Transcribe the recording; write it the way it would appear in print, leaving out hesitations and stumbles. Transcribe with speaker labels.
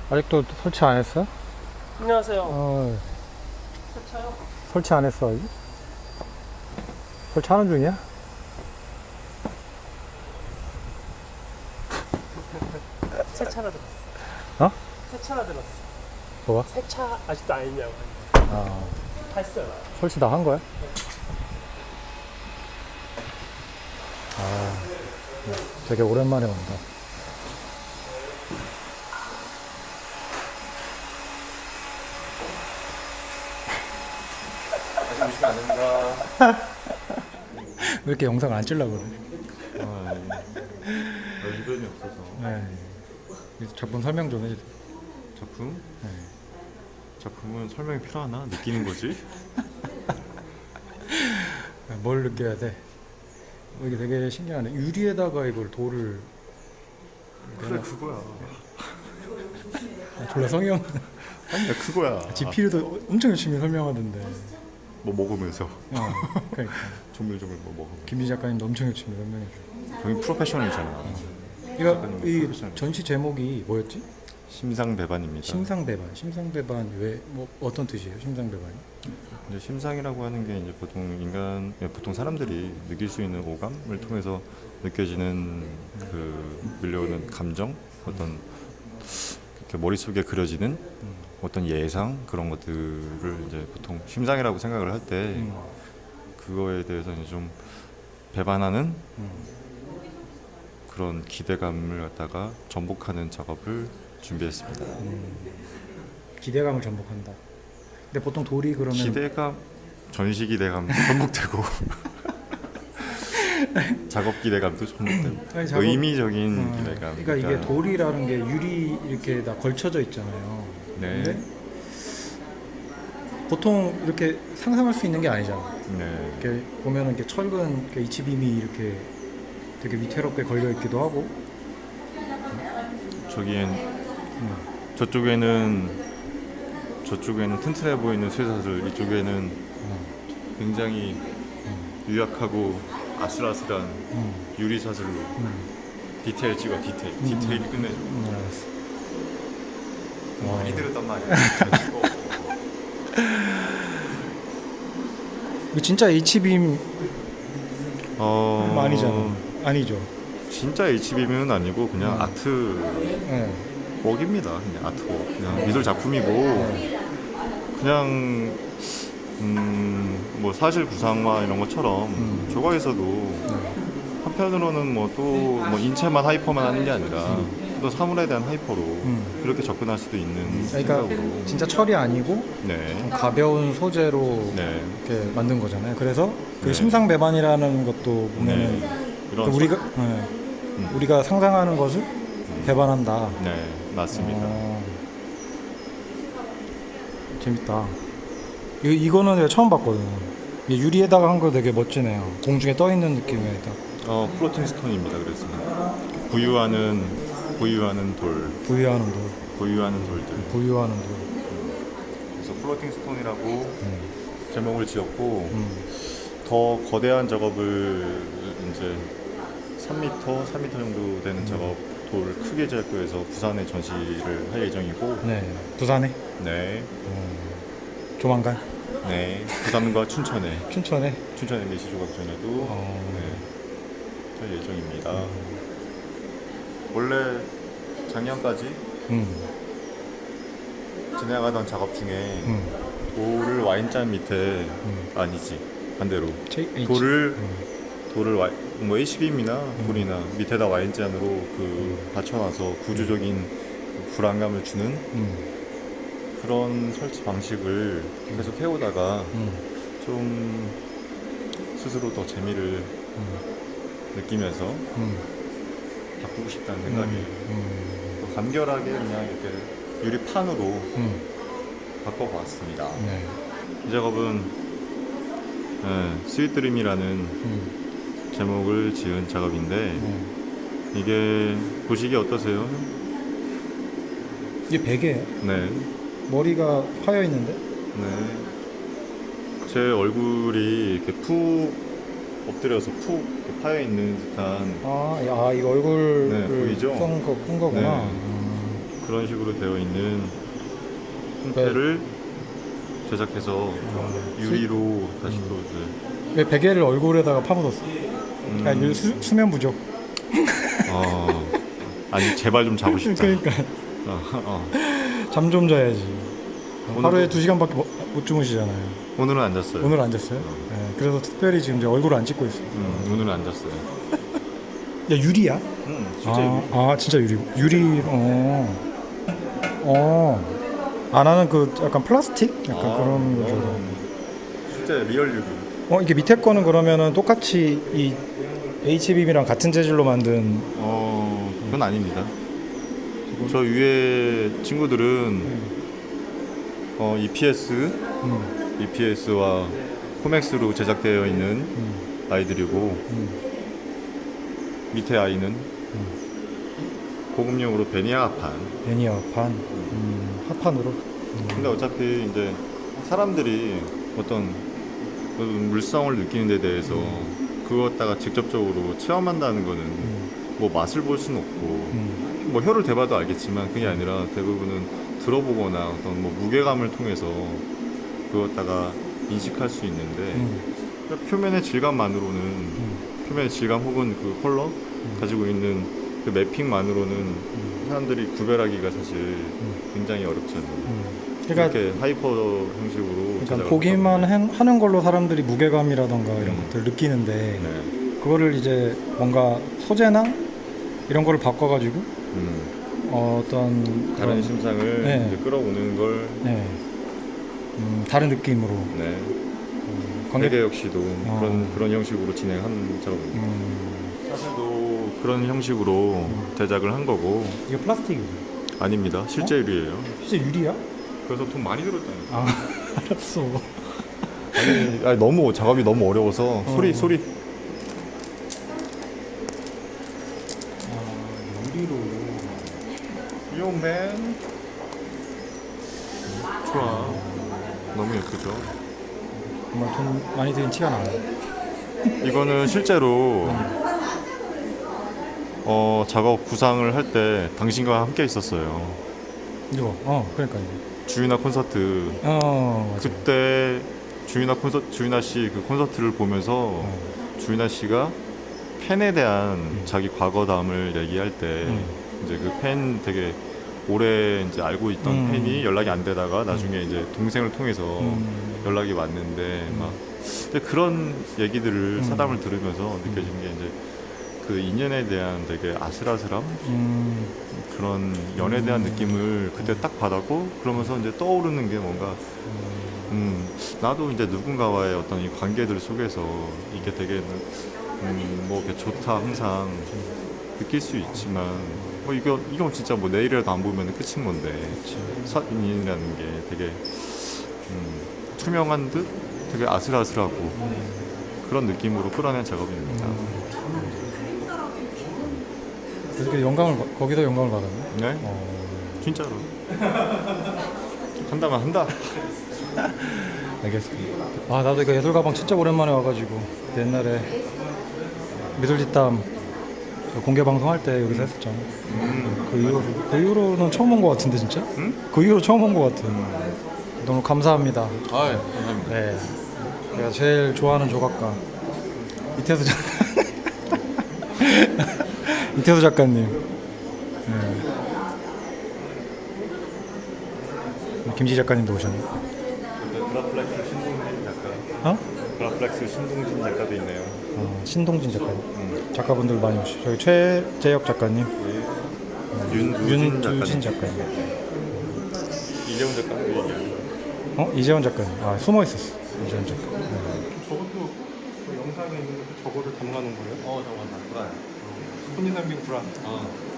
Speaker 1: 아직도 설치 안 했어?
Speaker 2: 안녕하세요.
Speaker 1: 세차요? 설치 안 했어 아직? 설치하는 중이야?
Speaker 2: 세차라 들었어.
Speaker 1: 어?
Speaker 2: 세차라 들었어.
Speaker 1: 뭐가?
Speaker 2: 세차 아직도 안 했냐고.
Speaker 1: 아,
Speaker 2: 했어요.
Speaker 1: 설치 다 한 거야? 아, 되게 오랜만에 온다.
Speaker 3: 다시 오시면 안 됩니다.
Speaker 1: 왜 이렇게 영상 안 찍려고 그래?
Speaker 3: 의견이 없어서.
Speaker 1: 네. 작품 설명 좀 해주세요.
Speaker 3: 작품?
Speaker 1: 네.
Speaker 3: 작품은 설명이 필요하나? 느끼는 거지?
Speaker 1: 뭘 느껴야 돼? 이게 되게 신기하네. 유리에다가 이걸 돌을
Speaker 3: 그래 그거야.
Speaker 1: 졸라 성형.
Speaker 3: 아니야 그거야.
Speaker 1: 지필도 엄청 열심히 설명하던데.
Speaker 3: 뭐 먹으면서
Speaker 1: 그러니까
Speaker 3: 조물조물 뭐 먹으면서.
Speaker 1: 김미 작가님도 엄청 열심히 설명해줘.
Speaker 3: 저희 프로페셔널이잖아.
Speaker 1: 이 전시 제목이 뭐였지?
Speaker 3: 심상배반입니다.
Speaker 1: 심상배반. 심상배반 왜 뭐 어떤 뜻이에요? 심상배반이?
Speaker 3: 이제 심상이라고 하는 게 이제 보통 사람들이 느낄 수 있는 오감을 통해서 느껴지는 그 밀려오는 감정, 어떤 이렇게 머릿속에 그려지는 어떤 예상 그런 것들을 이제 보통 심상이라고 생각을 할 때 그거에 대해서 이제 좀 배반하는 그런 기대감을 갖다가 전복하는 작업을 준비했습니다.
Speaker 1: 기대감을 전복한다. 근데 보통 돌이 그러면
Speaker 3: 기대감, 전시 기대감 전복되고 작업 기대감도 전복되고
Speaker 1: 아니, 작업-
Speaker 3: 의미적인 기대감.
Speaker 1: 그러니까 이게 돌이라는 게 유리 이렇게 다 걸쳐져 있잖아요.
Speaker 3: 네.
Speaker 1: 근데 보통 이렇게 상상할 수 있는 게 아니잖아.
Speaker 3: 네.
Speaker 1: 이렇게 보면은 이렇게 철근 이렇게 H빔이 이렇게 되게 위태롭게 걸려 있기도 하고.
Speaker 3: 저쪽에는 튼튼해 보이는 쇠사슬, 이쪽에는 굉장히 유약하고 아슬아슬한 유리 사슬로 디테일 찍어 디테일 끝내줘.
Speaker 1: 알았어.
Speaker 3: 많이 들었단 말이야.
Speaker 1: 이거 진짜 H빔 아니잖아. 아니죠.
Speaker 3: 진짜 HB는 아니고 그냥 아트
Speaker 1: 네.
Speaker 3: 웍입니다. 그냥 아트웍, 그냥 미술 작품이고 그냥 뭐 사실 구상화 이런 것처럼 저거에서도 한편으로는 뭐 또 뭐 인체만 하이퍼만 하는 게 아니라 또 사물에 대한 하이퍼로 그렇게 접근할 수도 있는
Speaker 1: 그러니까
Speaker 3: 생각으로.
Speaker 1: 진짜 철이 아니고
Speaker 3: 네.
Speaker 1: 가벼운 소재로
Speaker 3: 네.
Speaker 1: 이렇게 만든 거잖아요. 그래서 그
Speaker 3: 네.
Speaker 1: 심상배반이라는 것도 보면은
Speaker 3: 이런
Speaker 1: 우리가 상상하는 것을 배반한다.
Speaker 3: 네, 맞습니다.
Speaker 1: 재밌다. 이거는 내가 처음 봤거든. 이게 유리에다가 한 거 되게 멋지네요. 공중에 떠 있는 느낌이 딱.
Speaker 3: 플로팅 스톤입니다. 그래서 부유하는 돌,
Speaker 1: 부유하는 돌.
Speaker 3: 부유하는 돌들.
Speaker 1: 부유하는 돌.
Speaker 3: 그래서 플로팅 스톤이라고 제목을 지었고 더 거대한 작업을 이제 3m 정도 되는 작업 돌 크게 제작해서 부산에 전시를 할 예정이고.
Speaker 1: 네. 부산에?
Speaker 3: 네.
Speaker 1: 조만간?
Speaker 3: 네. 부산과 춘천에
Speaker 1: 춘천에?
Speaker 3: 메시조각전에도 네, 할 예정입니다. 원래 작년까지 진행하던 작업 중에 돌을 와인잔 밑에 아니지 반대로 돌을 뭐 HBM이나 돌이나 밑에다 와인잔으로 그 받쳐놔서 구조적인 그 불안감을 주는 그런 설치 방식을 계속 해오다가 좀 스스로 더 재미를 느끼면서 바꾸고 싶다는 생각이 또 간결하게 그냥 이렇게 유리판으로 바꿔봤습니다.
Speaker 1: 네.
Speaker 3: 이 작업은 스윗드림이라는 제목을 지은 작업인데 이게 보시기 어떠세요?
Speaker 1: 이게 베개예요?
Speaker 3: 네.
Speaker 1: 머리가 파여 있는데?
Speaker 3: 네. 제 얼굴이 이렇게 푹 엎드려서 푹 이렇게 파여 있는 듯한
Speaker 1: 이거 얼굴을
Speaker 3: 네, 보이죠?
Speaker 1: 푼 거구나.
Speaker 3: 네. 그런 식으로 되어 있는 형태를 제작해서 유리로 다시 또 이제
Speaker 1: 왜 베개를 얼굴에다가 파묻었어? 야, 수면 부족.
Speaker 3: 아니 제발 좀 자고 싶다.
Speaker 1: 그러니까 잠 좀 자야지. 하루에 2시간밖에 못 주무시잖아요.
Speaker 3: 오늘은 안 잤어요.
Speaker 1: 오늘 안 잤어요? 네, 그래서 특별히 지금 이제 얼굴을 안 찍고 있어요.
Speaker 3: 오늘은 안 잤어요.
Speaker 1: 야, 유리야?
Speaker 3: 진짜 유리.
Speaker 1: 진짜 유리. 아, 나는 그 약간 플라스틱? 약간 그런 거죠.
Speaker 3: 진짜 리얼 유리.
Speaker 1: 이게 밑에 거는 그러면은 똑같이 이 HBB랑 같은 재질로 만든.
Speaker 3: 그건 아닙니다. 저 위에 친구들은 EPS와 코맥스로 제작되어 있는 아이들이고 밑에 아이는 고급용으로 베니아판.
Speaker 1: 베니어판. 합판으로.
Speaker 3: 근데 어차피 이제 사람들이 어떤 물성을 느끼는 데 대해서 그것다가 직접적으로 체험한다는 거는 뭐 맛을 볼 수는 없고 뭐 혀를 대봐도 알겠지만 그게 아니라 대부분은 들어보거나 어떤 뭐 무게감을 통해서 그것다가 인식할 수 있는데 표면의 질감만으로는 표면의 질감 혹은 그 컬러 가지고 있는 그 매핑만으로는 사람들이 구별하기가 사실 굉장히 어렵잖아요.
Speaker 1: 그러니까
Speaker 3: 이렇게 하이퍼 형식으로 제작을
Speaker 1: 보기만
Speaker 3: 하다
Speaker 1: 하는 걸로 사람들이 무게감이라던가 이런 것들 느끼는데
Speaker 3: 보니. 네.
Speaker 1: 그거를 이제 뭔가 소재나 이런 거를 바꿔가지고 어떤
Speaker 3: 다른 심상을
Speaker 1: 네.
Speaker 3: 이제 끌어오는 걸
Speaker 1: 네. 다른 느낌으로
Speaker 3: 네.
Speaker 1: 관객
Speaker 3: 베개 역시도 그런 형식으로 진행한 작업입니다. 사실도 그런 형식으로 제작을 한 거고
Speaker 1: 이게 플라스틱이죠?
Speaker 3: 아닙니다. 실제 유리예요.
Speaker 1: 진짜 유리야?
Speaker 3: 그래서 돈 많이 들었다니까.
Speaker 1: 알았어.
Speaker 3: 아니, 너무 작업이 너무 어려워서 소리
Speaker 1: 유리로.
Speaker 3: 요맨 좋아. 너무 예쁘죠.
Speaker 1: 정말 돈 많이 드는 티가 나네.
Speaker 3: 이거는 실제로 작업 구상을 할 때 당신과 함께 있었어요.
Speaker 1: 이거 그러니까 이거.
Speaker 3: 주윤아 콘서트.
Speaker 1: 맞아.
Speaker 3: 그때 주윤아 씨 그 콘서트를 보면서 주윤아 씨가 팬에 대한 자기 과거담을 얘기할 때 이제 그 팬 되게 오래 이제 알고 있던 팬이 연락이 안 되다가 나중에 이제 동생을 통해서 연락이 왔는데 막 근데 그런 얘기들을 사담을 들으면서 느껴지는 게 이제 그 인연에 대한 되게 아슬아슬함 그런 연에 대한 느낌을 그때 딱 받았고 그러면서 이제 떠오르는 게 뭔가 나도 이제 누군가와의 어떤 이 관계들 속에서 이게 되게 뭐 이렇게 좋다 항상 느낄 수 있지만 뭐 이건 진짜 뭐 내일이라도 안 보면 끝인 건데 사인이라는 게 되게 투명한 듯 되게 아슬아슬하고 그런 느낌으로 끌어낸 작업입니다.
Speaker 1: 그래서 거기서 영감을 받았네.
Speaker 3: 네? 진짜로 한다면 한다.
Speaker 1: 알겠습니다. 나도 이거 예술 가방 진짜 오랜만에 와가지고 옛날에 미술뒷담 공개 방송할 때 여기서 했었잖아. 그 이후로는 처음 온 것 같은데 진짜? 그 이후로 처음 온 것 같아. 너무 감사합니다.
Speaker 3: 감사합니다.
Speaker 1: 네, 제가 제일 좋아하는 조각가 이태수 이태수 작가님. 김지 작가님도 오셨네.
Speaker 3: 그라플렉스 신동진 작가. 그라플렉스 신동진 작가도 있네요.
Speaker 1: 신동진 작가님. 작가분들 많이 오시죠. 저기 최재혁 작가님, 윤두진 작가님.
Speaker 3: 이재훈 작가도 얘기해요.
Speaker 1: 이재원 작가님. 숨어 있었어. 이재원 작가.
Speaker 2: 저것도 그 영상에 있는 저거를 담가놓은 거예요?
Speaker 3: 잠깐만.
Speaker 2: 손이남빙 불안.